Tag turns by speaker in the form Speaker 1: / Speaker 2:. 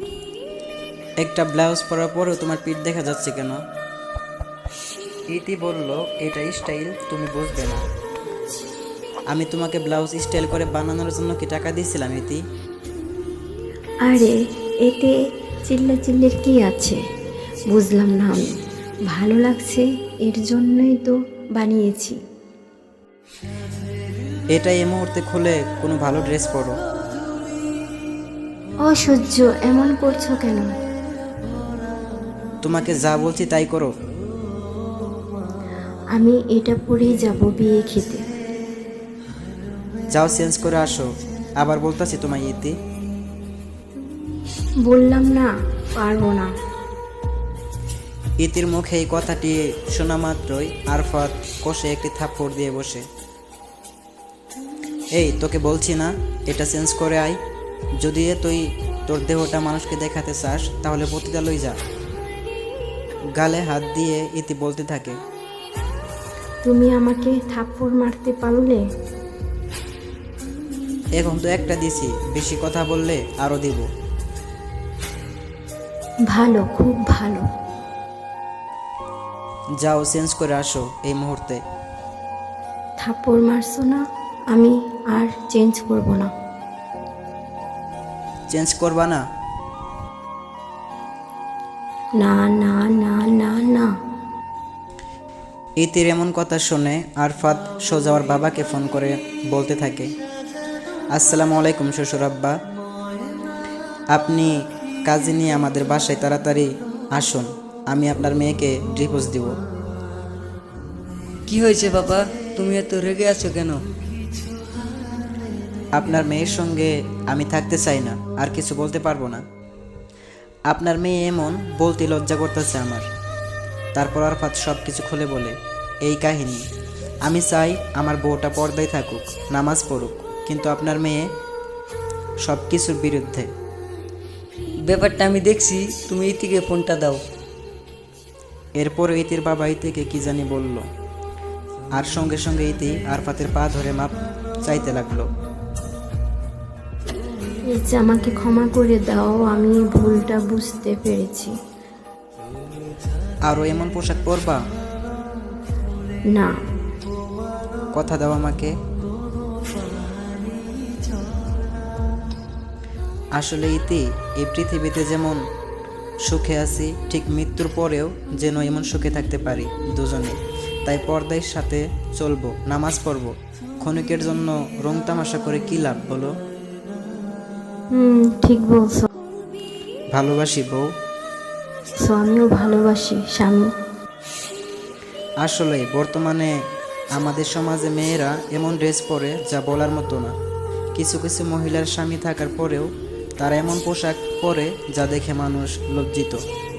Speaker 1: একটা ব্লাউজ পরার পরেও তোমার পিঠ দেখা যাচ্ছে কেন? ইতি বলল, এটা স্টাইল, তুমি বুঝবে না। আমি তোমাকে ব্লাউজ স্টাইল করে বানানোর জন্য কি টাকা দিয়েছিলাম ইতি?
Speaker 2: আরে এতে চিল্লাচিল্লির কি আছে? বুঝলাম না আমি। ভালো লাগছে এর জন্যই তো বানিয়েছি।
Speaker 1: এটা এই মুহূর্তে খুলে কোনো ভালো ড্রেস পরো।
Speaker 2: অসহ্য, এমন করছো কেন?
Speaker 1: তোমাকে যা বলছি তাই করো।
Speaker 2: আমি এটা পরেই যাব বিয়ে খেতে।
Speaker 1: যাও চেঞ্জ করে আসো। আবার বলতাছি তোমায় ইতি।
Speaker 2: বললাম না, পারবো না।
Speaker 1: ইতির মুখে এই কথাটি শোনা মাত্রই আরফাত কষে একটি থাপ্পড় দিয়ে বসে। এই তোকে বলছি না এটা চেঞ্জ করে আয়। যদি তুই তোর দেহটা মানুষকে দেখাতে চাস তাহলে পতিতালয় যা। গালে হাত দিয়ে ইতি বলতে থাকে।
Speaker 2: তুমি আমাকে থাপ্পড় মারতে পারলে?
Speaker 1: এখন তো একটা দিছি, বেশি কথা বললে আরো দিব।
Speaker 2: ভালো, খুব ভালো।
Speaker 1: যাও চেঞ্জ করে আসো এই মুহূর্তে।
Speaker 2: থাপ্পড় মারছো না, আমি আর চেঞ্জ করব না।
Speaker 1: চেঞ্জ করবা না?
Speaker 2: না না না না না।
Speaker 1: ইতির এমন কথা শুনে আরফাত সোজা ওর বাবাকে ফোন করে বলতে থাকে, আসসালামু আলাইকুম শ্বশুর আব্বা, আপনি কাজে নিয়ে আমাদের বাসায় তাড়াতাড়ি আসুন, আমি আপনার মেয়েকে ডিভোর্স দিব।
Speaker 3: কি হয়েছে বাবা, তুমি এত রেগে আছো কেন?
Speaker 1: আপনার মেয়ের সঙ্গে আমি থাকতে চাই না, আর কিছু বলতে পারবো না। আপনার মেয়ে এমন, বলতে লজ্জা করতেছে আমার। তারপর আরফাত সব কিছু খুলে বলে, এই কাহিনী। আমি চাই আমার বউটা পর্দায় থাকুক, নামাজ পড়ুক, কিন্তু আপনার মেয়ে সব কিছুর বিরুদ্ধে।
Speaker 3: ব্যাপারটা আমি দেখছি, তুমি ইতিকে ফোনটা দাও।
Speaker 1: এরপর ইতির বাবা ইতিকে কি জানি বলল, আর সঙ্গে সঙ্গে ইতি আরফাতের পা ধরে মাপ চাইতে লাগলো।
Speaker 2: এই যে আমাকে ক্ষমা করে দাও, আমি ভুলটা বুঝতে পেরেছি।
Speaker 1: আরও এমন পোশাক পরবা?
Speaker 2: না।
Speaker 1: কথা দাও আমাকে। আসলে ইতি, এই পৃথিবীতে যেমন সুখে আছি, ঠিক মৃত্যুর পরেও যেন এমন সুখে থাকতে পারি দুজনে। তাই পর্দার সাথে চলবো, নামাজ পড়বো। ক্ষণিকের জন্য রং তামাশা করে কি লাভ বলো?
Speaker 2: ঠিক বলছো।
Speaker 1: ভালোবাসি বউ।
Speaker 2: আমিও ভালোবাসি স্বামী।
Speaker 1: আসলে বর্তমানে আমাদের সমাজে মেয়েরা এমন ড্রেস পরে যা বলার মতো না। কিছু কিছু মহিলার স্বামী থাকার পরেও তারা এমন পোশাক পরে যা দেখে মানুষ লজ্জিত।